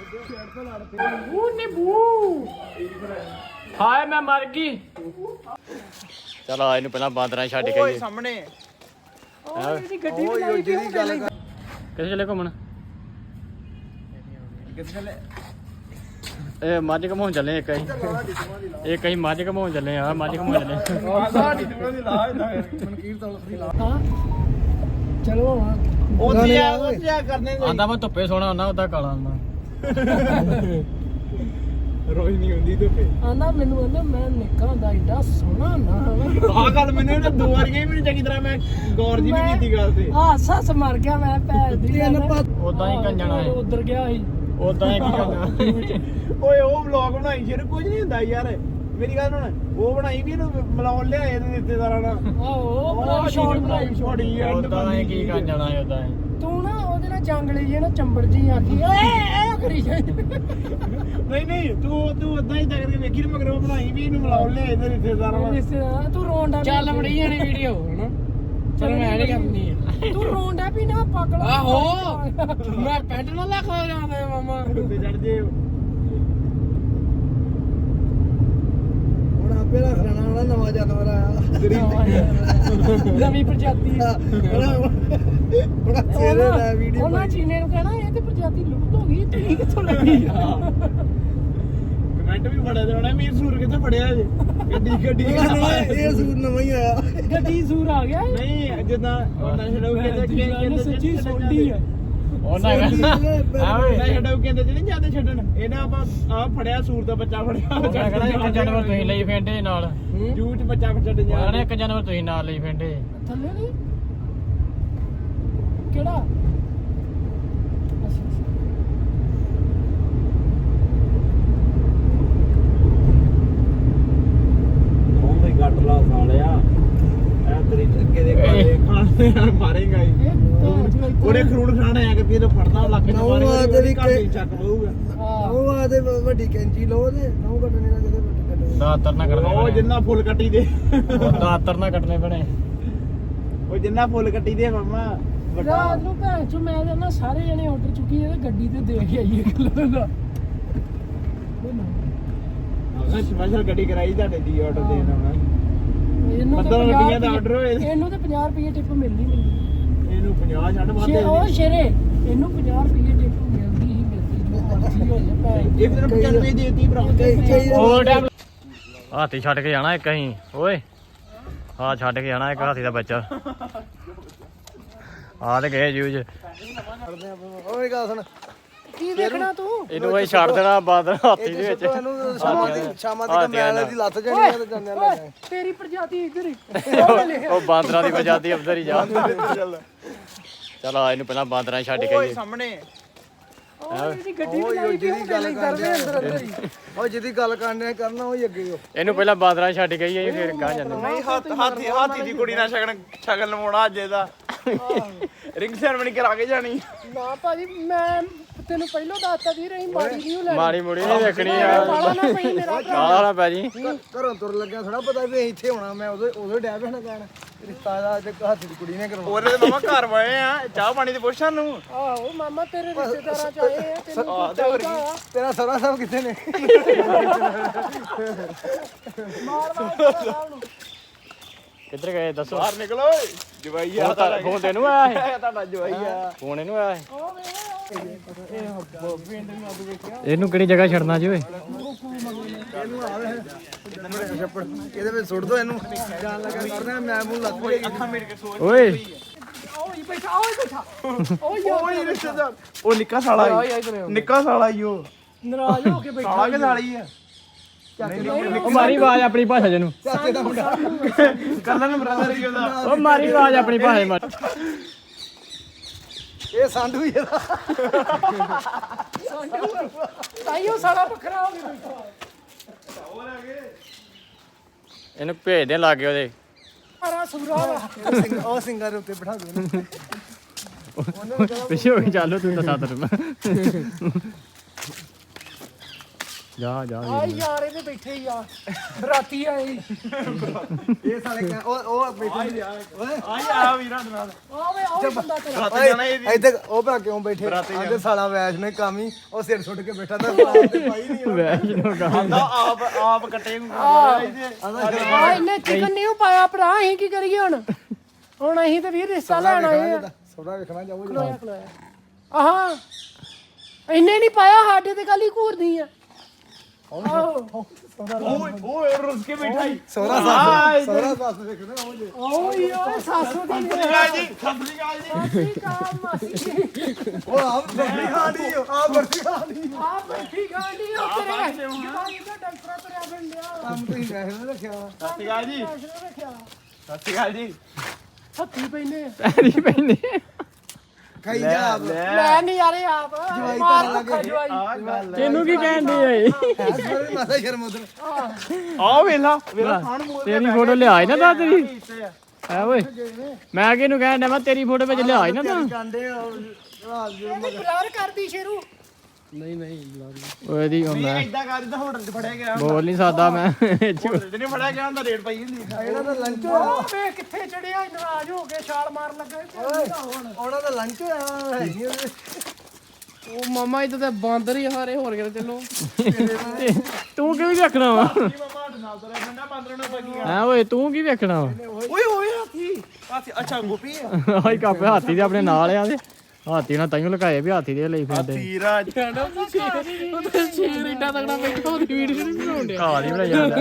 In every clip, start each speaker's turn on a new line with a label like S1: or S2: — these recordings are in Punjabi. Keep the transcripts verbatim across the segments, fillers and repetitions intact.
S1: ਹਾਏ ਮੈਂ ਮਰ ਗਈ। ਚਲ ਆ ਇਹਨੂੰ ਪਹਿਲਾਂ ਬਾਂਦਰਾਂ ਛੱਡ ਕੇ ਆਈਏ
S2: ਸਾਹਮਣੇ
S1: ਉਹ
S2: ਇਹਦੀ ਗੱਡੀ ਬਣਾਈ ਕਿਉਂ ਗੱਲ
S1: ਕਿੱਥੇ ਚੱਲੇ ਘੁੰਮਣ?
S2: ਕਿੱਥੇ ਚੱਲੇ?
S1: ਇਹ ਮੱਝ ਘਮਾਉਣ ਚੱਲੇ ਇੱਕ ਅਸੀਂ ਇੱਕ ਅਸੀਂ ਮੱਝ ਘਮਾਉਣ ਚੱਲੇ ਆ ਮੱਝ ਘਮਾਉਣ ਚੱਲੇ
S2: ਚਲੋ ਉਹਦੀ ਆ ਉਹਦੀ ਆ ਕਰਨੇ
S1: ਆਂਦਾ ਮੈਂ ਧੁੱਪੇ ਸੋਣਾ ਹੁੰਦਾ ਉਹਦਾ ਕਾਲਾ ਹੁੰਦਾ
S2: ਰੋਜ਼ ਨਹੀਂ ਹੁੰਦੀ ਧੁੱਪੇ
S3: ਆਂਦਾ ਮੈਨੂੰ ਆਂਦਾ ਮੈਂ ਨਿੱਕਾ ਹੁੰਦਾ ਏਡਾ ਸੋਹਣਾ ਨਾ
S2: ਆਹ ਗੱਲ ਮੈਨੂੰ ਇਹਨੇ ਦੋ ਵਾਰ ਕਹੀ ਮੈਨੂੰ ਚੰਗੀ ਤਰ੍ਹਾਂ ਮੈਂ ਗੌਰ ਜੀ ਨਹੀਂ ਕੀਤੀ ਗੱਲ ਤੇ
S3: ਹਾਸ ਹਾਸ ਮਰ ਗਿਆ ਮੈਂ ਭੈਣ ਦੀ
S1: ਉਦਾਂ ਹੀ ਕੰਜਣਾ ਹੈ
S3: ਉਧਰ ਗਿਆ ਸੀ
S1: ਉਦਾਂ ਹੀ ਕੀ ਕਰਨਾ
S2: ਓਏ ਉਹ ਵਲੌਗ ਬਣਾਈ ਸ਼ੇਰ ਕੁਝ ਨਹੀਂ ਹੁੰਦਾ ਯਾਰ ਮੇਰੀ ਗੱਲ ਸੁਣ ਉਹ ਬਣਾਈ ਵੀ ਇਹਨੂੰ ਮਿਲਾਉਣ ਲਿਆ ਇਹਦੇ ਰਿਸ਼ਤੇਦਾਰਾਂ ਨਾਲ
S3: ਆਹੋ ਬੜਾ ਸ਼ੌਟ ਬਣਾਈ
S2: ਛੋੜੀ ਐਂਡ
S1: ਉਦਾਂ ਹੀ ਕੀ ਕੰਜਣਾ ਹੈ ਉਦਾਂ ਹੀ
S3: ਤੂੰ ਨਾ ਉਹਦੇ ਨਾਲ ਜੰਗਲੀ ਜੇ ਨਾ ਚੰਬੜ ਜੀ ਆਖੀ ਓਏ ਇਹ ਕਰੀ ਜਾਈ
S2: ਨਹੀਂ ਨਹੀਂ ਤੂੰ ਤੂੰ ਉਦਾਂ ਹੀ ਤੱਕ ਕੇ ਵੇਖੀ ਨਾ ਮਗਰ ਉਹ ਬਣਾਈ ਵੀ ਇਹਨੂੰ ਮਿਲਾਉਣ ਲਿਆ ਇਹਦੇ ਰਿਸ਼ਤੇਦਾਰਾਂ ਨਾਲ
S3: ਰਿਸ਼ਤੇਦਾਰ ਤੂੰ ਰੋਣ ਦਾ
S1: ਚੱਲ ਬੜੀ ਜਾਣੀ ਵੀਡੀਓ ਹਨਾ ਚਲ ਮੈਂ ਨਹੀਂ ਕਰਨੀ
S3: ਤੂੰ ਰੋਣ ਦਾ ਵੀ ਨਾ ਪਕੜ
S1: ਆਹੋ ਮੈਂ ਪੈਂਟ ਨਾ ਲੱਖ ਹੋ ਜਾਂਦਾ ਮਾਮਾ
S2: ਤੇ ਚੜ ਜੇ
S4: ਹੁਣ ਆਪੇ ਰੱਖ ਲੈਣਾ ਵਾਲਾ ਨਵਾਂ ਜਾਨਵਰ ਆਇਆ
S3: ਨਵੀਂ ਪ੍ਰਜਾਤੀ
S4: ਬੜਾ ਚਿਹਰੇ ਦਾ ਵੀਡੀਓ
S3: ਉਹਨਾਂ ਚੀਨੇ ਨੂੰ ਕਹਿਣਾ ਇਹ ਤੇ ਪ੍ਰਜਾਤੀ ਲੁਪਤ ਹੋ ਗਈ ਤੁਸੀਂ ਕਿੱਥੋਂ ਲੱਗੀ
S2: ਕਮੈਂਟ ਵੀ ਬੜੇ ਦੇਣਾ ਮੀਰ ਸੂਰ ਕਿੱਥੇ ਫੜਿਆ ਜੇ ਗੱਡੀ ਗੱਡੀ
S4: ਇਹ ਸੂਟ ਨਵਾਂ ਹੀ ਆਇਆ
S3: ਗੱਡੀ ਸੂਰ ਆ ਗਿਆ
S2: ਨਹੀਂ ਜਿੱਦਾਂ ਉਹ ਨਸ਼ੜਾਉ ਕਹਿੰਦੇ ਕਿ
S3: ਇਹਨੇ ਸੱਚੀ ਸੋਡੀ ਆ
S1: ਉਹਨਾਂ ਕਹਿੰਦਾ ਆਵੇ
S2: ਨਸ਼ੜਾਉ ਕਹਿੰਦੇ ਜਿਹੜੇ ਜਾਂਦੇ ਛੱਡਣ ਇਹਨਾਂ ਆਪਾਂ ਆ ਫੜਿਆ ਸੂਰ ਦਾ ਬੱਚਾ ਫੜਿਆ
S1: ਉਹਨਾਂ ਕਹਿੰਦਾ ਇੱਕ ਜਾਨਵਰ ਤੁਸੀਂ ਲਈ ਫੇਂਡੇ ਨਾਲ
S2: ਜੂ ਚ ਬੱਚਾ ਛੱਡਣ ਜਾ
S1: ਉਹਨਾਂ ਨੇ ਇੱਕ ਜਾਨਵਰ ਤੁਸੀਂ ਨਾਲ ਲਈ ਫੇਂਡੇ
S3: ਥੱਲੇ ਨਹੀਂ ਕਿਹੜਾ ਅੱਛਾ ਅੱਛਾ
S2: ਉਹ ਵੀ ਗੱਟ ਲਾ ਸਾਲਿਆ ਐ ਤੇਰੀ ਅੱਗੇ ਦੇ ਕਾਲੇ ਖਾਣੇ ਮਾਰੇਗਾ ਹੀ
S3: ਇਹ ਤਾਂ
S2: ਉਹਨੇ ਖਰੂੜ ਖਾਣਾ ਆ ਕਿ ਇਹ ਫੜਦਾ ਲੱਖ ਚ
S4: ਨੌਂ
S2: ਮਾਰੇਗਾ
S4: ਆ ਤੇਰੀ
S2: ਘਰ ਹੀ ਚੱਕ ਲਊਗਾ
S4: ਉਹ ਆਦੇ ਵੱਡੀ ਕੈਂਚੀ ਲਓ ਤੇ ਨੌ ਕੱਟਣੇ ਦਾ ਕਿਤੇ ਵੱਡੀ ਕੱਟੋ
S1: ਦਾਤਰ ਨਾ ਕੱਟਣੇ
S2: ਉਹ
S1: ਬਣੇ
S2: ਜਿੰਨਾ ਫੁੱਲ ਕੱਟੀ ਦੇ
S1: ਦਾਤਰ ਨਾ ਕੱਟਣੇ ਬਣੇ
S2: ਉਹ ਜਿੰਨਾ ਫੁੱਲ ਕੱਟੀ ਦੇ ਮਾਮਾ
S3: ਰਾਤ ਨੂੰ ਭੈਣ ਚੋ ਮੈਂ ਤਾਂ ਨਾ ਸਾਰੇ ਜਣੇ ਆਰਡਰ ਚੁੱਕੀ ਇਹਦੇ ਗੱਡੀ ਤੇ ਦੇ ਕੇ ਆਈਏ ਕਲਰ ਦਾ
S2: ਸਪੈਸ਼ਲ ਗੱਡੀ ਕਰਾਈ ਤੁਹਾਡੇ ਦੀ ਆਰਡਰ ਦੇਣ ਆਉਣਾ
S3: ਇਹਨੂੰ
S2: ਪੰਦਰਾਂ ਰੁਪਈਆ ਦਾ order ਹੋਏ।
S3: ਇਹਨੂੰ ਤੇ ਪੰਜਾਹ ਰੁਪਏ ਟਿਪ ਮਿਲਦੀ ਮਿਲਦੀ
S2: ਇਹਨੂੰ ਪੰਜਾਹ ਛੱਡ ਵੱਧ
S3: ਸ਼ੇ ਉਹ ਸ਼ੇਰੇ ਇਹਨੂੰ ਪੰਜਾਹ ਰੁਪਏ ਟਿਪ ਮਿਲਦੀ ਹੀ ਮਿਲਦੀ ਜੋ ਮਰਜ਼ੀ ਹੋ ਜਾ ਭੈਣ
S2: ਇਹ ਫਿਰ ਪਚਾਨਵੇਂ ਦੇਤੀ ਭਰਾ
S1: ਹੋਰ ਟਾਈਮ ਹਾਥੀ ਛੱਡ ਕੇ ਜਾਣਾ ਇੱਕ ਅਸੀਂ ਓਏ ਹਾਂ ਛੱਡ ਕੇ ਜਾਣਾ ਇੱਕ ਹਾਥੀ ਦਾ ਬੱਚਾ ਆ ਤੇ ਗਏ ਜੂਜ
S4: ਓਏ ਗੱਲ ਸੁਣ
S3: ਕੀ ਦੇਖਣਾ ਤੂੰ
S1: ਇਹਨੂੰ ਅਸੀਂ ਛੱਡ ਦੇਣਾ ਬਾਦਰ ਹਾਥੀ ਦੇ ਵਿੱਚ
S4: ਇਹਨੂੰ ਸ਼ਾਮਾਂ ਦੀ ਸ਼ਾਮਾਂ ਦੀ ਮੈਲ ਦੀ ਲੱਤ ਜਣੀ ਆ ਤੇ ਜਾਂਦੇ ਲੈ
S3: ਓਏ ਤੇਰੀ ਪ੍ਰਜਾਤੀ ਇੱਧਰ ਹੀ
S1: ਉਹ ਬਾਂਦਰਾਂ ਦੀ ਪ੍ਰਜਾਤੀ ਅੰਦਰ ਹੀ ਜਾ ਚਲ ਆ ਇਹਨੂੰ ਪਹਿਲਾਂ ਬਾਂਦਰਾਂ ਛੱਡ ਕੇ ਆਈਏ
S2: ਸਾਹਮਣੇ
S3: ਓਏ ਇਹਦੀ ਗੱਡੀ ਬਣਾਈ ਕਿਉਂ ਪਹਿਲਾਂ ਕਰਦੇ ਅੰਦਰ ਅੰਦਰ ਹੀ
S4: ਓਏ ਜਿਹਦੀ ਗੱਲ ਕਰਨੇ ਕਰਨਾ ਉਹ ਹੀ ਅੱਗੇ ਹੋ
S1: ਇਹਨੂੰ ਪਹਿਲਾਂ ਬਾਂਦਰਾਂ ਛੱਡ ਕੇ ਆਈਏ ਫਿਰ ਗਾਂ ਜਾਂਦੇ
S2: ਨਹੀਂ ਹੱਥ ਹਾਥੀ ਹਾਥੀ ਦੀ ਕੁੜੀ ਨਾਲ ਸ਼ਗਨ ਸ਼ਗਨ ਲਵਾਉਣਾ ਅੱਜ ਇਹਦਾ ਰਿੰਗ ਸੈਰਮਨੀ ਕਰਾ ਕੇ ਜਾਣੀ
S3: ਨਾ ਭਾਜੀ ਮੈਂ ਤੈਨੂੰ ਪਹਿਲਾਂ ਦੱਸਤਾ ਦੀ ਰਹੀ ਮਾੜੀ ਨਹੀਂ ਲੈਣੀ
S1: ਮਾੜੀ ਮੁੜੀ ਨਹੀਂ ਦੇਖਣੀ ਆ
S3: ਕਾਲਾ ਨਾ ਪਈ ਮੇਰਾ
S1: ਕਾਲਾ ਨਾ ਪੈ ਜੀ
S4: ਘਰੋਂ ਤੁਰ ਲੱਗਿਆ ਥੋੜਾ ਪਤਾ ਵੀ ਇੱਥੇ ਹੋਣਾ ਮੈਂ ਉਦੋਂ ਉਦੋਂ ਡੈ ਪੈਣਾ ਕਹਿਣ ਰਿਸ਼ਤਾ ਦਾ ਤੇ ਹੱਥ ਦੀ ਕੁੜੀ ਨੇ ਕਰਵਾਉਣਾ
S2: ਉਹਦੇ ਤੇ ਮਾਮਾ ਘਰ ਵਾਏ ਆ ਚਾਹ ਪਾਣੀ ਤੇ ਪੁੱਛਾਂ ਨੂੰ
S3: ਆਹੋ ਮਾਮਾ ਤੇਰੇ ਰਿਸ਼ਤੇਦਾਰਾਂ ਚ ਆਏ ਆ ਤੈਨੂੰ
S2: ਆਹ ਤੇ ਹੋਰ ਕੀ
S4: ਤੇਰਾ ਸਰਾ ਸਾਹਿਬ ਕਿੱਥੇ ਨੇ
S3: ਮਾਰ ਮਾਰ ਸਾਹਿਬ ਨੂੰ
S1: ਕਿੱਧਰ ਗਏ ਦੱਸੋ
S2: ਬਾਹਰ ਨਿਕਲੋ ਓਏ ਜਵਾਈ ਆ
S1: ਫੋਨ ਤੈਨੂੰ ਆਇਆ
S2: ਇਹ ਤੁਹਾਡਾ ਜਵਾਈ ਆ
S1: ਫੋਨ ਇਹਨੂੰ ਆਇਆ
S3: ਉਹ ਵੇ
S1: ਇਹਨੂੰ ਕਿਹੜੀ ਜਗ੍ਹਾ ਛੱਡਣਾ ਜੀ ਓਏ
S4: ਇਹਨੂੰ ਆਵੇ ਛੱਪੜ ਇਹਦੇ ਵਿੱਚ ਸੁੱਟ ਦੋ ਇਹਨੂੰ ਜਾਣ ਲੱਗਾ ਕਰਨਾ ਮੈਂ ਮੂੰਹ ਲੱਗ ਪਈ
S2: ਅੱਖਾਂ ਮੇੜ ਕੇ ਸੋਚ
S1: ਓਏ
S3: ਓਏ ਬੈਠਾ ਓਏ ਬੈਠਾ ਓਏ
S2: ਓਏ ਰਿਸ਼ਤੇਦਾਰ ਉਹ ਨਿੱਕਾ ਸਾਲਾ ਨਿੱਕਾ ਸਾਲਾ ਈ ਉਹ
S3: ਨਾਰਾਜ਼ ਹੋ ਕੇ ਬੈਠਾ
S2: ਸਾਲਾ ਕੇ ਸਾਲੀ ਆ
S1: ਉਹ ਮਾਰੀ ਆਵਾਜ਼ ਆਪਣੀ ਭਾਸ਼ਾ ਚ ਨੂੰ
S4: ਚਾਚੇ ਦਾ ਮੁੰਡਾ
S2: ਕਰਨਲ ਬ੍ਰਦਰ ਹੀ ਉਹਦਾ
S1: ਉਹ ਮਾਰੀ ਆਵਾਜ਼ ਆਪਣੀ ਭਾਸ਼ਾ ਮਾਰ
S4: ਇਹ ਸਾਂਢੂ ਹੀ ਇਹਦਾ
S3: ਤਾਈਓ ਸਾਲਾ ਵੱਖਰਾ ਹੋ ਕੇ ਬੈਠਾ
S1: ਇਹਨੂੰ ਭੇਜ ਦੇ ਲਾਗੇ ਉਹਦੇ
S3: ਸਾਰਾ ਸੂਰਾ ਵਾ
S4: ਉਹ ਸਿੰਘ ਉਹ ਸਿੰਘਾਂ ਦੇ ਉੱਤੇ ਬਿਠਾ ਦੋ ਇਹਨੂੰ
S1: ਪਿੱਛੇ ਹੋ ਕੇ ਚੱਲੋ ਤੂੰ ਤਾਂ ਸਾਦਰ ਜਾ ਜਾ
S3: ਆ ਯਾਰ ਇਹਦੇ ਬੈਠੇ ਹੀ ਆ ਰਾਤੀ ਆਏ
S4: ਇਹ ਸਾਲੇ ਕਿਆ- ਉਹ ਉਹ ਬੈਠੇ ਓਏ
S2: ਆਈ ਆ ਵੀਰਾਂ ਦੇ ਨਾਲ
S3: ਆਵੇ ਉਹ ਬੰਦਾ ਤੇਰਾ
S2: ਰਾਤ ਜਾਣਾ ਇਹ ਵੀ
S4: ਇੱਥੇ ਉਹ ਭਰਾ ਕਿਉਂ ਬੈਠੇ ਆਂਦੇ ਸਾਲਾ ਵੈਸ਼ ਨੇ ਕੰਮ ਹੀ ਉਹ ਸਿਰ ਸੁੱਟ ਕੇ ਬੈਠਾ ਤਾਂ ਸਾਲਾ ਤੇ ਪਾਈ ਨਹੀਂ
S1: ਵੈਸ਼ਨੋ ਕਾ
S2: ਆਂਦਾ ਆਪ ਆਪ ਕੱਟੇ ਨੂੰ ਇਹਦੇ
S3: ਆ ਇਹਨੇ ਚਿਕਨ ਨਹੀਂ ਪਾਇਆ ਭਰਾ ਅਸੀਂ ਕੀ ਕਰੀਏ ਹੁਣ ਹੁਣ ਅਸੀਂ ਤੇ ਵੀਰ ਰਿਸ਼ਤਾ ਲੈਣ ਆਏ ਆ
S4: ਸੋਡਾ ਵੇਖਣਾ ਜਾਓ
S3: ਖਲੋਇਆ ਖਲੋਇਆ ਆਹਾਂ ਇਹਨੇ ਨਹੀਂ ਪਾਇਆ ਸਾਡੇ ਤੇ ਕੱਲ ਹੀ ਘੂਰਦੀ ਆ ਆਹੋ
S2: ਓਏ ਓਏ ਰੁੱਸ ਕੇ ਬੈਠਾ ਹੀ
S4: ਸੋਹਰਾ ਸਾਸ ਸੋਹਰਾ ਸਾਸ ਵੇਖਣਾ ਉਹ ਜੇ
S3: ਓਏ ਓਏ ਸਾਸੂ ਦੀ
S2: ਸਤਿ ਜੀ ਸਤਿ ਗਾਲ ਜੀ
S3: ਮਾਸੀ ਕਾ ਮਾਸੀ
S4: ਉਹ ਆਪ ਬਰਫੀ ਖਾਣੀ ਆ ਬਰਫੀ ਖਾਣੀ
S3: ਆ ਬੈਠੀ ਗਾਂਡੀ ਆ ਤੇਰੇ ਜਵਾਨੀ ਦਾ ਡਾਕਟਰ ਤੇਰਾ ਬੰਦਿਆ
S4: ਕੰਮ ਤੁਸੀਂ ਵੈਸ਼ ਨੇ ਰੱਖਿਆ
S2: ਸਤਿ ਗਾਲ ਜੀ
S3: ਰੱਖਿਆ
S2: ਸਤਿ ਗਾਲ ਜੀ
S3: ਹੱਥੀ ਪੈਨੇ
S1: ਪੈਰੀ ਪੈਂਦੇ
S4: ਖਾਈ ਜਾ ਆਪ
S3: ਲੈ ਨਹੀਂ ਯਾਰੇ ਆਪ ਮਾਰ ਲੱਗਾ ਜਵਾਈ
S2: ਆ ਗੱਲ
S1: ਤੈਨੂੰ ਕੀ ਕਹਿੰਦੇ ਏ
S4: ਸਾਰੇ ਮਾਤਾ ਸ਼ਰਮ ਉਧਰ
S2: ਆ ਵੇਲਾ ਵੇਲਾ ਖਾਣ ਮੂੰਹ
S1: ਤੇਰੀ ਫੋਟੋ ਲਿਆਈ ਨਾ ਤਾਂ ਤੇਰੀ ਹੈ ਓਏ ਮੈਂ ਕਿਹਨੂੰ ਕਹਿਣ ਡਿਆ ਮੈਂ ਤੇਰੀ ਫੋਟੋ ਵਿੱਚ ਲਿਆਈ ਨਾ ਤਾਂ
S4: ਕਾਂਡੇ
S3: ਇਹਦੀ ਬਲਰ ਕਰਦੀ ਸ਼ੇਰੂ
S1: ਓਏ ਦੀ ਹੁੰਦਾ
S2: ਇਦਾਂ ਕਰ ਦਿੰਦਾ ਹੋਟਲ 'ਚ ਫੜਿਆ ਗਿਆ
S1: ਬੋਲ ਨਹੀਂ ਸਕਦਾ ਮੈਂ
S2: ਹੋਟਲ 'ਚ ਨਹੀਂ ਫੜਿਆ ਗਿਆ ਹੁੰਦਾ ਰੇਟ ਪਈ ਹੁੰਦੀ
S4: ਇਹਨਾਂ ਦਾ ਲੰਚ
S3: ਉਹ ਵੇ ਕਿੱਥੇ ਚੜਿਆ ਨਾਰਾਜ਼ ਹੋ ਕੇ ਛਾਲ ਮਾਰਨ ਲੱਗਾ ਹੁਣ
S4: ਉਹਨਾਂ ਦਾ ਲੰਚ ਹੋਇਆ ਹੈਗੀ
S3: ਉਹ ਮਾਮਾ ਇਦਾਂ ਤਾਂ ਬਾਂਦਰ ਹੀ ਹਾਰੇ ਹੋਰ ਕਿਤੇ ਚੱਲੋ
S1: ਤੂੰ ਕਿਉਂ ਵੇਖਣਾ ਵਾ
S2: ਕੀ ਮਾਮਾ ਸਾਡੇ ਨਾਲ ਤੁਰਿਆ ਫਿਰਦਾ ਬਾਂਦਰਾਂ ਨੂੰ ਪਈਆਂ
S1: ਹੈ ਓਏ ਤੂੰ ਕੀ ਵੇਖਣਾ ਵਾ
S2: ਓਏ ਓਏ ਹਾਥੀ ਹਾਥੀ ਅੱਛਾ ਗੋਪੀ ਆ
S1: ਆਈ ਕਾਪੇ ਹਾਥੀ ਦੇ ਆਪਣੇ ਨਾਲ ਆ ਦੇ ਹਾਥੀ ਨਾਲ ਤਾਈਓ ਲਗਾਏ ਵੀ ਹਾਥੀ ਦੇ ਲਈ ਫਿਰਦੇ
S2: ਤੀਰਾ
S3: ਉਹਦੇ ਸ਼ੇਰ ਏਡਾ ਤਗੜਾ ਬੈਠਾ ਉਹਦੀ ਵੀਡੀਓ ਨਹੀਂ ਬਣਾਉਂਦੇ
S1: ਘਾਹ ਦੀ ਬਣਾਈ ਜਾਂਦਾ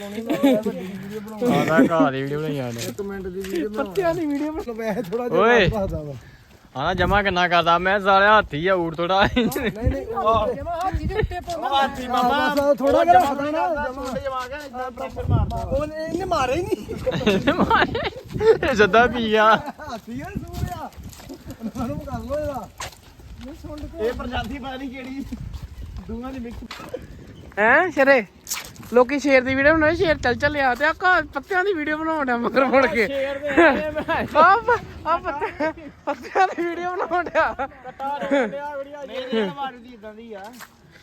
S1: ਆਦਾ ਘਾਹ ਦੀ ਵੀਡੀਓ ਬਣਾਈ ਜਾਂਦਾ
S4: ਇੱਕ ਮਿੰਟ ਦੀ ਵੀਡੀਓ
S3: ਪੱਤਿਆਂ ਦੀ ਵੀਡੀਓ
S4: ਬਣਾ ਵੈਸੇ ਥੋੜਾ
S1: ਓਏ।
S4: ਜਿਹਾ ਬਾਦਾ ਵਾ
S1: ਆਣਾ ਜਮਾ ਕਿੰਨਾ ਕਰਦਾ ਮੈਂ ਸਾਲਿਆ ਹਾਥੀ ਆ ਊੜ ਥੋੜਾ
S4: ਨਹੀਂ ਨਹੀਂ
S3: ਜਮਾ ਹਾਥੀ ਦੇ ਉੱਤੇ ਪਾਉਂਦਾ
S2: ਹਾਥੀ ਮਾਮਾ
S4: ਬਸ ਥੋੜਾ ਜਿਹਾ ਰੱਖਦਾ ਨਾ
S2: ਜਮਾ ਜਮਾ ਕੇ ਇਦਾਂ ਪ੍ਰੈਸ਼ਰ ਮਾਰਦਾ
S4: ਉਹਨੇ ਇਹਨੇ ਮਾਰੇ ਹੀ ਨਹੀਂ
S1: ਇਹ ਜੱਦਾ ਪੀ ਗਿਆ
S4: ਹਾਥੀ ਯਾਰ ਸੂਰਿਆ ਉਹਨਾਂ ਨੂੰ ਕਰ ਲੋ ਇਹਦਾ
S2: ਇਹ ਪ੍ਰਜਾਤੀ ਪਤਾ ਨਹੀਂ ਕਿਹੜੀ ਦੋਵਾਂ ਦੀ ਮਿਕਸ
S3: ਹੈ ਸ਼ੇਰੇ ਲੋਕੀ ਸ਼ੇਰ ਦੀ ਵੀਡੀਓ ਬਣਾਉਂਦੇ ਸ਼ੇਰ ਚੱਲ ਚੱਲਿਆ ਤੇ ਆ ਪੱਤਿਆਂ ਦੀ ਵੀਡੀਓ ਬਣਾਉਂਦਾ ਮਗਰ ਮੁੜ ਕੇ ਆ ਆ ਪੱਤਿਆਂ ਦੀ ਵੀਡੀਓ ਬਣਾਉਂਦਾ
S2: ਨਹੀਂ ਨਹੀਂ ਮਾਰਦੀ ਇਦਾਂ ਦੀ ਆ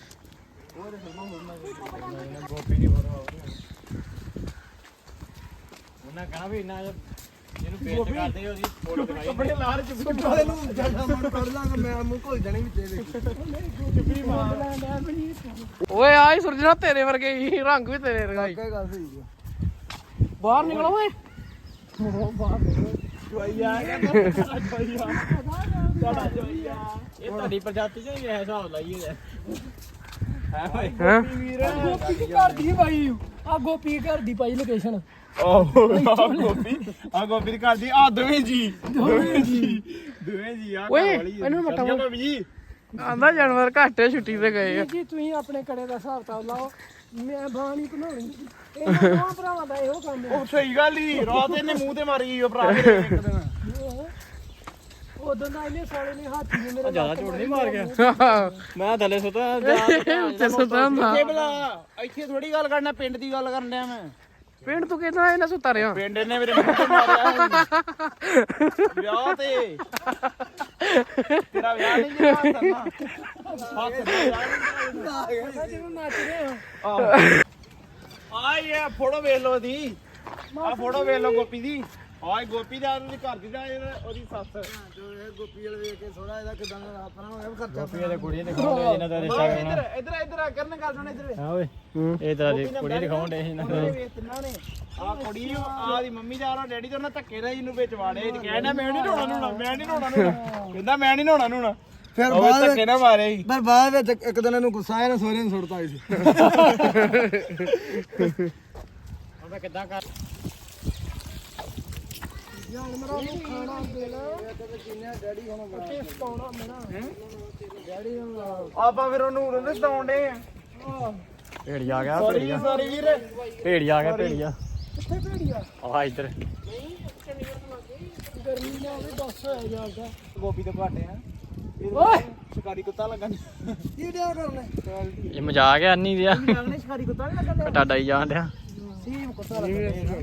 S1: ਉਹਨਾਂ ਕਹਣਾ ਵੀ ਇੰਨਾ ਜਿਹਨੂੰ ਪੇਸਟ ਕਰਦੇ ਉਹਦੀ ਫੋਟੋ ਬਣਾਈ
S2: ਆਪਣੇ ਲਾਰ ਚ
S4: ਵਾਲੇ ਨੂੰ ਜੱਟਾ ਮੜ ਕੱਢ ਲਾਂਗਾ ਮੈਂ ਮੂੰਹ ਘੁਲ ਜਾਣੀ ਵਿੱਚ ਇਹਦੇ
S3: ਓਏ ਆਈ ਸੁਰਜਣਾ ਤੇਰੇ ਵਰਗੇ ਹੀ ਰੰਗ ਵੀ ਤੇਰੇ ਵਰਗਾ ਹੀ
S4: ਕੀ ਗੱਲ ਸਹੀ ਹੈ
S3: ਬਾਹਰ ਨਿਕਲੋ ਓਏ
S2: ਜਵਾਈਆ ਕਹਿੰਦਾ ਜਵਾਈਆ ਤੁਹਾਡਾ ਜਵਾਈਆ
S1: ਇਹ ਤੁਹਾਡੀ ਪ੍ਰਜਾਤੀ ਚ ਹੀ ਇਹ ਹਿਸਾਬ ਲਾਈਏ
S3: ਹੈ ਗੋਪੀ ਦੀ ਘਰ ਦੀ ਪਾਈ ਆ ਗੋਪੀ ਘਰ ਦੀ ਪਾਈ ਲੋਕੇਸ਼ਨ
S2: ਓਹ ਆ ਗੋਪੀ ਆ ਗੋਪੀ ਦੀ ਘਰ ਦੀ ਆ ਦੋਵੇਂ ਜੀ ਦੋਵੇਂ ਜੀ ਦੋਵੇਂ ਜੀ ਆ
S3: ਓਏ,
S2: ਘਰ ਵਾਲੀ
S3: ਇਹਨੂੰ ਮੱਠਾ
S2: ਸਤਿ ਸ਼੍ਰੀ ਅਕਾਲ ਜੀ
S3: ਆਂਦਾ ਜਾਨਵਰ ਘੱਟ ਛੁੱਟੀ ਤੇ ਗਏ ਆ ਜੀ ਤੁਸੀਂ ਆਪਣੇ ਕੜੇ ਦਾ ਹਿਸਾਬ ਤਾਂ ਲਾਓ ਮੈਂ ਬਾਣੀ ਬਣਾਉਣੀ ਇਹਨਾਂ ਦੋਵਾਂ ਭਰਾਵਾਂ ਦਾ ਇਹੋ ਕੰਮ ਹੈ
S2: ਉਹ ਸਹੀ ਗੱਲ ਹੀ ਰਾਤ ਇਹਨੇ ਮੂੰਹ ਤੇ ਮਾਰੀ ਉਹ ਭਰਾ ਮੇਰੇ ਇੱਕ ਦਿਨ
S3: ਉਦੋਂ ਦਾ ਇਹਨੇ ਸਾਲੇ ਨੇ ਹਾਥੀ ਨੇ ਮੇਰੇ
S1: ਜਿਆਦਾ ਝੋੜ ਨਹੀਂ ਮਾਰ ਗਿਆ ਮੈਂ ਥੱਲੇ ਸੁੱਤਾ
S3: ਉੱਤੇ ਸੁੱਤਾ ਹੁੰਦਾ
S2: ਇੱਥੇ ਬਲਾ ਇੱਥੇ ਥੋੜੀ ਗੱਲ ਕਰਨਾ ਪਿੰਡ ਦੀ ਗੱਲ ਕਰਨ ਡਿਆ ਮੈਂ
S3: ਪਿੰਡ ਤੂੰ ਕਹਿੰਦਾ ਇਹਨਾਂ ਸੁੱਤਾ ਰਿਹਾ
S2: ਪਿੰਡ ਨੇ ਮੇਰੇ ਮੂੰਹ ਤੇ ਮਾਰਿਆ ਵਿਆਹ ਤੇ ਤੇਰਾ ਵਿਆਹ ਨਹੀਂ ਜਿਹੜਾ ਕਰਨਾ ਹੱਥ ਦਾ ਵਿਆਹ
S3: ਜਿਹਨੂੰ ਨੱਚ ਰਹੇ ਆ
S2: ਆ ਇਹ ਫੋਟੋ ਵੇਖ ਲਓ ਦੀ ਆ ਫੋਟੋ ਵੇਖ ਲਓ ਗੋਪੀ ਦੀ ਆਏ ਗੋਪੀ ਦਾ ਉਹਦੀ ਘਰ ਦੀ ਦਾ ਉਹਦੀ ਸੱਸ
S4: ਜੋ ਇਹ ਗੋਪੀ ਵਾਲੇ ਵੇਖ ਕੇ ਥੋੜਾ ਇਹਦਾ ਕਿਦਾਂ ਦਾ ਆਪਣਾ ਹੋ ਗਿਆ ਖਰਚਾ
S1: ਗੋਪੀ ਦੇ ਕੁੜੀ ਦਿਖਾਉਂਦੇ ਇਹਨਾਂ ਦਾ ਰਿਸ਼ਤਾ ਕਰਨਾ
S2: ਇੱਧਰ ਇੱਧਰ ਇੱਧਰ ਆ ਕਰਨ ਗੱਲ ਸੁਣ ਇੱਧਰ
S1: ਹਾਂ ਓਏ ਇਹ ਤਰ੍ਹਾਂ ਦੀ ਕੁੜੀ ਦਿਖਾਉਂਦੇ ਇਹਨਾਂ ਦਾ
S2: ਵੇਖ ਤਿੰਨਾਂ ਨੇ ਆ ਕੁੜੀ ਆ ਦੀ ਮੰਮੀ ਜਾ ਰਹਾ ਡੈਡੀ ਤੇ ਉਹਨਾਂ ਧੱਕੇ ਨਾਲ ਇਹਨੂੰ ਵਿੱਚ ਵਾੜੇ ਕਹਿੰਦਾ ਮੈਂ ਨਹੀਂ ਨਹਾਉਣਾ ਨਹਾਉਣਾ ਮੈਂ ਨਹੀਂ ਨਹਾਉਣਾ ਨਹਾਉਣਾ ਕਹਿੰਦਾ ਮੈਂ ਨਹੀਂ ਨਹਾਉਣਾ ਨਹਾਉਣਾ
S4: ਫਿਰ
S2: ਉਹ
S4: ਬਾਅਦ
S2: ਧੱਕੇ ਨਾਲ ਮਾਰੇ ਸੀ
S4: ਪਰ ਬਾਅਦ ਵਿੱਚ ਇੱਕ ਦਿਨ ਇਹਨੂੰ ਗੁੱਸਾ ਆਇਆ ਨਾ ਸੋਹਰੇ ਨੂੰ ਸੁੱਟਤਾ ਸੀ
S1: ਉਹਦਾ ਕਿੱਦਾਂ ਕਰ
S3: ਜਾਨਵਰਾਂ ਨੂੰ ਖਾਣਾ ਦੇਣਾ
S4: ਡੈਡੀ ਹੁਣ
S3: ਤੇ ਸਤਾਉਣਾ ਮੈਨਾਂ
S4: ਡੈਡੀ ਹੁਣ
S2: ਆਪਾਂ ਫਿਰ ਉਹਨੂੰ ਉਹਦੇ ਸਤਾਉਂਦੇ ਆ
S1: ਭੇੜੀਆ ਆ ਗਿਆ
S2: ਸੌਰੀ
S1: ਭੇੜੀਆ
S2: ਸੌਰੀ ਵੀਰ
S1: ਭੇੜੀਆ ਆ ਗਿਆ ਭੇੜੀਆ
S3: ਕਿੱਥੇ ਭੇੜੀਆ
S1: ਆ ਇੱਧਰ
S3: ਗਰਮੀ ਨਾ ਹੋਵੇ ਦੱਸ ਹੋਇਆ ਜਾਂਦਾ
S2: ਗੋਪੀ ਦੇ ਘਾਟੇ ਆ
S3: ਓਏ
S2: ਸ਼ਿਕਾਰੀ ਕੁੱਤਾ ਲੱਗਣ
S4: ਕੀ ਡਿਆ ਕਰਨੇ
S1: ਇਹ ਮਜ਼ਾਕ ਹੈ ਅੰਨੀ ਦਿਆ
S2: ਲੱਗਣੇ ਸ਼ਿਕਾਰੀ ਕੁੱਤਾ ਨਹੀਂ ਲੱਗਣ
S1: ਟਾਡਾ ਹੀ ਜਾਣ ਡਿਆ
S2: ਸੀਮ ਕੁੱਤਾ ਲੱਗਣ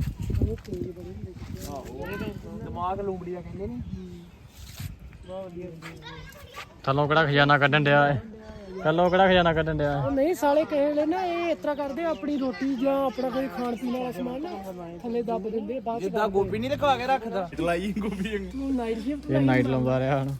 S2: ਦਿਮਾਗ ਲੂੰਬੜੀਆਂ ਕਹਿੰਦੇ ਨੇ ਬਹੁਤ ਵਧੀਆ
S1: ਥੱਲੋਂ ਕਿਹੜਾ ਖਜ਼ਾਨਾ ਕੱਢਣ ਡਿਆ ਏ ਕੱਲੋ ਕਿਹੜਾ ਖਜ਼ਾਨਾ ਕੱਢਣ ਡਿਆ
S5: ਉਹ ਨਹੀਂ ਸਾਲੇ ਕਹੇ ਵੇਲੇ ਨਾ ਇਹ ਇਸ ਤਰ੍ਹਾਂ ਕਰਦੇ ਆ, ਆਪਣੀ ਰੋਟੀ ਜਾਂ ਆਪਣਾ ਕੋਈ ਖਾਣ ਪੀਣ ਵਾਲਾ ਸਮਾਨ ਨਾ ਥੱਲੇ ਦੱਬ ਦਿੰਦੇ ਬਾਅਦ ਚ
S2: ਜਿੱਦਾਂ ਗੋਭੀ ਨਹੀਂ ਰਖਵਾ ਕੇ ਰੱਖਦਾ ਲਾਈ ਗੋਭੀ
S5: ਤੂੰ ਨਾਈਟ ਸ਼ਿਫਟ
S1: ਇਹ ਨਾਈਟ ਲਾਉਂਦਾ ਰਿਹਾ ਹੁਣ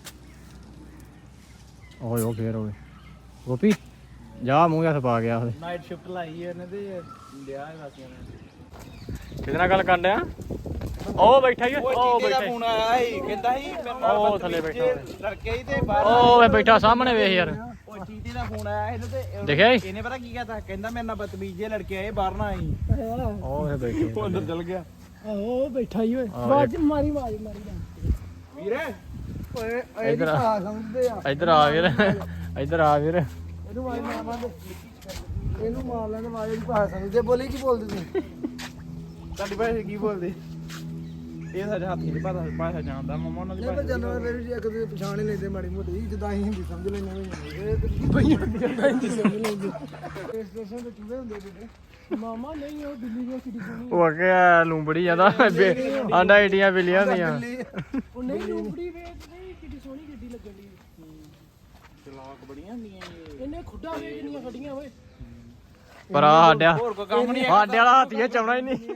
S1: ਓਏ ਉਹ ਫੇਰ ਓਏ ਗੋਪੀ ਜਾ ਮੂੰਹ ਹੱਥ ਪਾ ਗਿਆ ਉਹਦੇ
S2: ਨਾਈਟ ਸ਼ਿਫਟ ਲਾਈ ਇਹਨੇ ਤੇ ਲਿਆ ਹੈ ਵਾਸੀਆਂ ਨੇ
S1: ਕਿਹਦੇ ਨਾਲ ਗੱਲ ਕਰਨ ਡਿਆ ਉਹ ਬੈਠਾ ਹੀ ਉਹ
S2: ਉਹ
S1: ਬੈਠਾ
S2: ਦਾ ਫੋਨ ਆਇਆ ਸੀ ਕਹਿੰਦਾ ਸੀ ਮੇਰੇ ਨਾਲ
S1: ਉਹ ਥੱਲੇ ਬੈਠਾ
S2: ਲੜਕੇ ਹੀ ਤੇ ਬਾਹਰ
S1: ਉਹ ਵੇ ਬੈਠਾ ਸਾਹਮਣੇ ਵੇਖ ਯਾਰ
S2: ਉਹ ਚੀਤੇ ਦਾ ਫੋਨ ਆਇਆ ਇਹਨੂੰ ਤੇ
S1: ਦੇਖਿਆ ਈ?
S2: ਇਹਨੇ ਪਤਾ ਕੀ ਕਹਤਾ ਕਹਿੰਦਾ ਮੇਰੇ ਨਾਲ ਬਦਤਮੀਜ਼ ਜਿਹੇ ਲੜਕੇ ਆਏ ਬਾਹਰ ਨਾ ਆਈ
S1: ਉਹ ਵੇ ਬੈਠੇ
S2: ਉਹ ਅੰਦਰ ਚਲ ਗਿਆ
S5: ਆਹੋ ਬੈਠਾ ਹੀ ਓਏ
S1: ਆਹ,
S5: ਬਾਜ ਮਾਰੀ ਮਾਰੀ ਮਾਰੀ
S2: ਵੀਰੇ
S4: ਓਏ
S1: ਇੱਧਰ ਆ
S4: ਆ ਸਮਝਦੇ ਆ
S1: ਇੱਧਰ ਆ ਵੀਰ ਇੱਧਰ ਆ ਵੀਰ
S4: ਇਹਨੂੰ ਮਾਰ ਮਾਰਾਂਗੇ ਇਹਨੂੰ ਮਾਰ ਲੈਣ ਵਾਲੇ ਦੀ ਭਾਸ਼ਾ ਸਮਝਦੇ ਬੋਲੀ ਕੀ ਬੋਲਦੇ ਤੂੰ
S2: ਤੁਹਾਡੀ ਭਾਸ਼ਾ ਕੀ ਬੋਲਦੇ ਇਹ ਸਾਡੇ ਹੱਥ ਦੀ ਭਾਸ਼ਾ ਭਾਸ਼ਾ ਜਾਣਦਾ ਮਮਾ ਉਹਨਾਂ ਦੀ
S4: ਇਹ ਤਾਂ
S2: ਭਾਸ਼ਾ
S4: ਜਾਨਵਰ ਮੇਰੀ ਜੇ ਕਦੇ ਪਛਾਣ ਹੀ ਲੈਂਦੇ ਮਾੜੀ ਮੋਟੀ ਜਿੱਦਾਂ ਅਸੀਂ ਹਿੰਦੀ ਸਮਝ ਲੈਂਦੇ ਹਾਂ ਇਹ ਬਈਆਂ ਜਿੱਦਾਂ ਹਿੰਦੀ ਸਮਝ ਲੈਂਦੇ ਇਸ ਸਟੇਸ਼ਨ ਤੇ ਚੂਹੇ ਹੁੰਦੇ ਬੇਟੇ
S5: ਮਾਮਾ ਨਹੀਂ ਉਹ ਦਿੱਲੀ ਦੀ ਕਿੱਡੀ ਸੋਹਣੀ
S1: ਉਹ ਅੱਗੇ ਲੂੰਬੜੀ ਜਾਂਦਾ ਆਂਡਾ ਏਡੀਆਂ ਬਿੱਲੀਆਂ ਹੁੰਦੀਆਂ
S5: ਉਹ ਨਹੀਂ ਲੂੰਬੜੀ ਵੇਖ ਨਹੀਂ ਕਿੱਡੀ ਸੋਹਣੀ ਗੱਡੀ ਲੱਗਣ ਦੀ
S2: ਚਲਾਕ ਬੜੀਆਂ ਹੁੰਦੀਆਂ ਇਹ।
S5: ਇਹਨੇ ਖੁੱਡਾ ਵੇਖ ਕਿੰਨੀਆਂ ਗੱਡੀਆਂ ਓਏ
S1: ਪਰ ਆ ਸਾਡਿਆ
S2: ਹੋਰ ਕੋਈ ਕੰਮ ਨਹੀਂ
S1: ਸਾਡੇ ਵਾਲਾ ਹਾਥੀਏ ਚਾਉਣਾ ਹੀ ਨਹੀਂ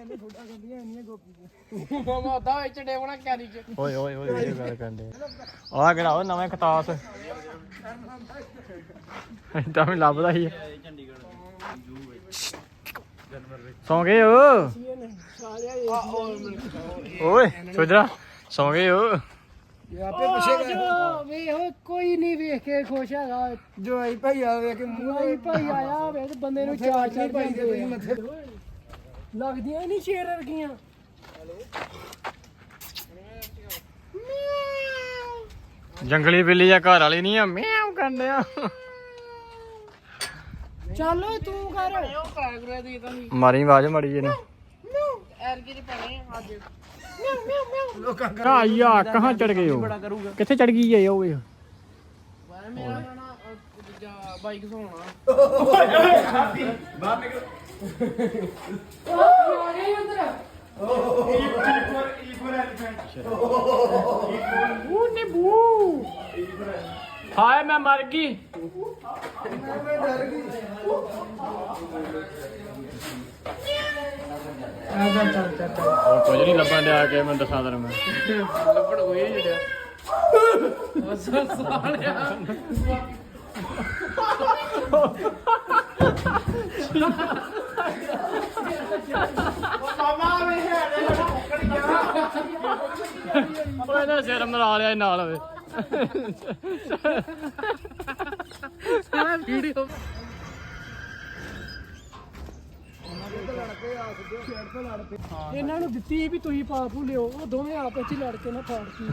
S5: ਮਾਮਾ ਦਾ ਵਿੱਚ ਡੇਵਣਾ ਕੈਰੀ ਚ
S1: ਓਏ ਓਏ ਓਏ ਇਹ ਗੱਲ ਕਰਦੇ ਆ ਕਿਹੜਾ ਉਹ ਨਵੇਂ ਖਤਾਸ ਇਦਾਂ ਵੀ ਲੱਭਦਾ ਹੀ ਸੌਂ ਗਏ ਓ ਓਏ ਸੋਜਰਾ ਸੌਂ ਗਏ ਓ
S4: ਇਹ ਆਪੇ ਪੁੱਛੇਗਾ
S5: ਜੋ ਵੇ ਉਹ ਕੋਈ ਨਹੀਂ ਵੇਖ ਕੇ ਖੁਸ਼ ਹੈਗਾ
S4: ਜੋ ਆਈ ਭਾਈ ਆ ਵੇ ਕਿ ਮੂੰਹ
S5: ਭਾਈ ਭਾਈ ਆਇਆ ਹੋਵੇ ਤੇ ਬੰਦੇ ਨੂੰ ਚਾਰ ਚਾਰ
S4: ਭਾਈ ਦੇ ਤੁਸੀਂ
S5: ਜਾਂਦੇ
S4: ਮੱਥੇ
S5: ਲੱਗਦੀਆਂ ਹੀ ਨਹੀਂ ਸ਼ੇਰ ਵਰਗੀਆਂ
S1: ਜੰਗਲੀ ਬਿੱਲੀ ਜਾਂ ਘਰ ਵਾਲੀ ਨਹੀਂ ਆ ਮਿਆਉ ਕਰਨਿਆ
S5: ਚੱਲ ਓਏ ਤੂੰ ਕਰ ਉਹ ਕਾਗਰੇ ਦੀ ਤਾਂ
S1: ਮਾਰੀ ਆਵਾਜ਼ ਮੜੀ ਜੀ ਨੇ
S5: ਐਰਗੀ ਦੀ ਪਣੇ ਅੱਜ
S4: ਲੋਕਾਂ
S1: ਕਾ ਯਾ ਕਹਾਂ ਚੜ ਗਏ ਹੋ ਕਿੱਥੇ ਚੜ ਗਈ ਹੈ ਉਹ ਇਹ
S5: ਬਾਰੇ ਮੇਰਾ ਨਾ ਦੂਜਾ ਬਾਈਕ ਸੋਣਾ ਉਹ ਨੇ ਬੂ
S1: ਹਾਏ ਮੈਂ ਮਰ ਗਈ ਉਹ ਕੁਝ ਨਹੀਂ ਲੱਭਣ ਡਿਆ ਕੇ ਮੈਂ ਦੱਸਾਂ ਤੈਨੂੰ ਮੈਂ
S5: ਲੱਭੜ ਹੋਏ ਜਿਹੜਾ ਉਸ ਸਾਲਿਆ
S1: ਓਏ ਇਹਦਾ ਸਿਰ ਮਰਾ ਲਿਆ ਨਾਲ ਵੇ
S5: ਵੀਡੀਓ ਇਹਨਾਂ ਨੂੰ ਦਿੱਤੀ ਵੀ ਤੁਸੀਂ ਪਾ ਪੂ ਲਿਓ ਉਹ ਦੋਵੇਂ ਆਪਸ ਵਿੱਚ ਲੜ ਕੇ ਨਾ ਫਾੜਤੀ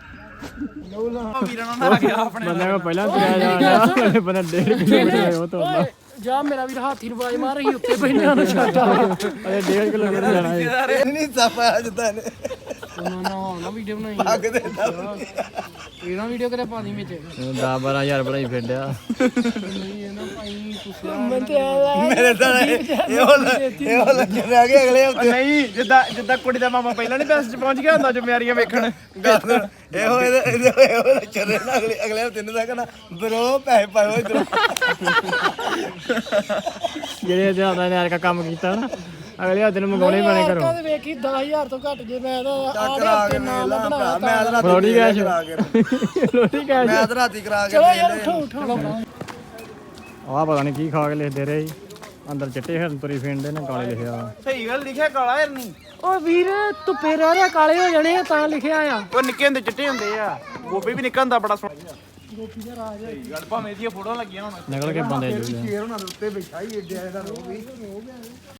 S2: ਵੀਰਾਂ ਨਾਲ ਗਿਆ ਆਪਣੇ
S1: ਬੰਦੇ ਕੋ ਪਹਿਲਾਂ ਤੁਰਿਆ ਜਾਣਾ ਬੰਦਾ ਡੇਢ ਕਿਲੋਮੀਟਰ ਉਹ ਤੋਂ
S5: ਓਏ ਜਾ ਮੇਰਾ ਵੀਰ ਹਾਥੀ ਨੂੰ ਆਵਾਜ਼ ਮਾਰ ਰਹੀ ਉੱਤੇ ਬੈਠਿਆਂ ਨੂੰ ਛੱਡ ਆ
S1: ਅਰੇ ਡੇਢ ਕਿਲੋਮੀਟਰ ਜਾਣਾ ਹੈ
S4: ਇਹ ਨਹੀਂ ਸਾਫਾ ਜਿੱਦਾਂ ਨੇ
S5: ਨਾ ਨਾ ਨਾ ਵੀਡੀਓ ਬਣਾਈ
S4: ਅੱਗ ਦੇ
S5: ਇਹਨਾਂ ਵੀਡੀਓ ਕਰੇ ਪਾਣੀ ਵਿੱਚ
S1: ਦਸ ਬਾਰਾਂ ਹਜ਼ਾਰ ਬਣਾਈ ਫਿਰਦਿਆ
S5: ਨਹੀਂ ਇਹਨਾਂ ਭਾਈ ਤੁਸੀਂ ਮੈਂ ਤੇ
S4: ਮੇਰੇ ਤਾਂ ਇਹ ਉਹ ਇਹ ਲੱਗੇ ਰਹਿ ਗਏ ਅਗਲੇ ਹਫਤੇ
S2: ਨਹੀਂ ਜਿੱਦਾਂ ਜਿੱਦਾਂ ਕੁੜੀ ਦਾ ਮਾਮਾ ਪਹਿਲਾਂ ਨਹੀਂ ਬੈਸਟ ਪਹੁੰਚ ਗਿਆ ਹੁੰਦਾ ਜ਼ਿੰਮੇਵਾਰੀਆਂ ਵੇਖਣ
S4: ਇਹੋ ਇਹਦੇ ਇਹਦੇ ਇਹੋ ਚੱਲੇ ਨਾ ਅਗਲੇ ਅਗਲੇ ਹਫਤੇ ਨੂੰ ਤਾਂ ਕਹਣਾ ਬਰੋ ਪੈਸੇ ਪਾਓ ਇਧਰ
S1: ਜਿਹੜੇ ਜਿਆਦਾ ਨੇ ਯਾਰ ਕੰਮ ਕੀਤਾ ਨਾ ਅਗਲੇ ਦਿਨ ਮੰਗਾਉਣੇ ਪੈਣੇ ਘਰੋਂ
S5: ਕਦੇ ਵੇਖੀ ਦਸ ਹਜ਼ਾਰ ਤੋਂ ਘੱਟ ਜੇ ਮੈਂ ਤਾਂ
S4: ਕਰਾ ਕੇ
S5: ਨਾਮ
S4: ਵੇਲਾ
S5: ਬਣਾ
S4: ਮੈਂ ਤਾਂ ਰਾਤੀ
S1: ਰੋਟੀ ਕੈਸ਼
S4: ਕਰਾ ਕੇ
S1: ਰੋਟੀ ਕੈਸ਼
S4: ਮੈਂ ਤਾਂ ਰਾਤੀ ਕਰਾ ਕੇ
S5: ਚਲੋ ਯਾਰ
S4: ਵੇਲੇ
S5: ਉਠੋ ਉਠੋ
S1: ਆਹ ਪਤਾ ਨਹੀਂ ਕੀ ਖਾ ਕੇ ਲਿਖਦੇ ਰਹੇ ਜੀ। ਅੰਦਰ ਚਿੱਟੇ ਹਿਰਨ ਤੁਰੀ ਫਿਰਦੇ ਨੇ ਕਾਲੇ ਲਿਖਿਆ
S2: ਸਹੀ ਗੱਲ ਲਿਖਿਆ ਕਾਲਾ ਹਰਨੀ
S5: ਓ ਵੀਰ ਧੁੱਪੇ ਰਹਿ ਰਿਹਾ ਕਾਲੇ ਹੋ ਜਾਣੇ ਆ ਤਾਂ ਲਿਖਿਆ ਆ
S2: ਉਹ ਨਿੱਕੇ ਹੁੰਦੇ ਚਿੱਟੇ ਹੁੰਦੇ ਆ ਗੋਭੀ ਵੀ ਨਿੱਕਾ ਹੁੰਦਾ ਬੜਾ ਸੋਹਣਾ
S5: ਗੋਪੀ ਦਾ ਰਾਜ
S2: ਸਹੀ ਗੱਲ ਭਾਵੇਂ ਇਹਦੀਆਂ ਫੋਟੋਆਂ ਲੱਗੀਆਂ ਹੁਣ
S1: ਨਿਕਲ ਕੇ ਬੰਦੇ ਜੁੜੇ
S4: ਸ਼ੇਰ ਉਹਨਾਂ ਦੇ ਉੱਤੇ ਬੈਠਾ ਹੀ ਏਡਿਆ ਇਹਦਾ ਰੋ ਵੀ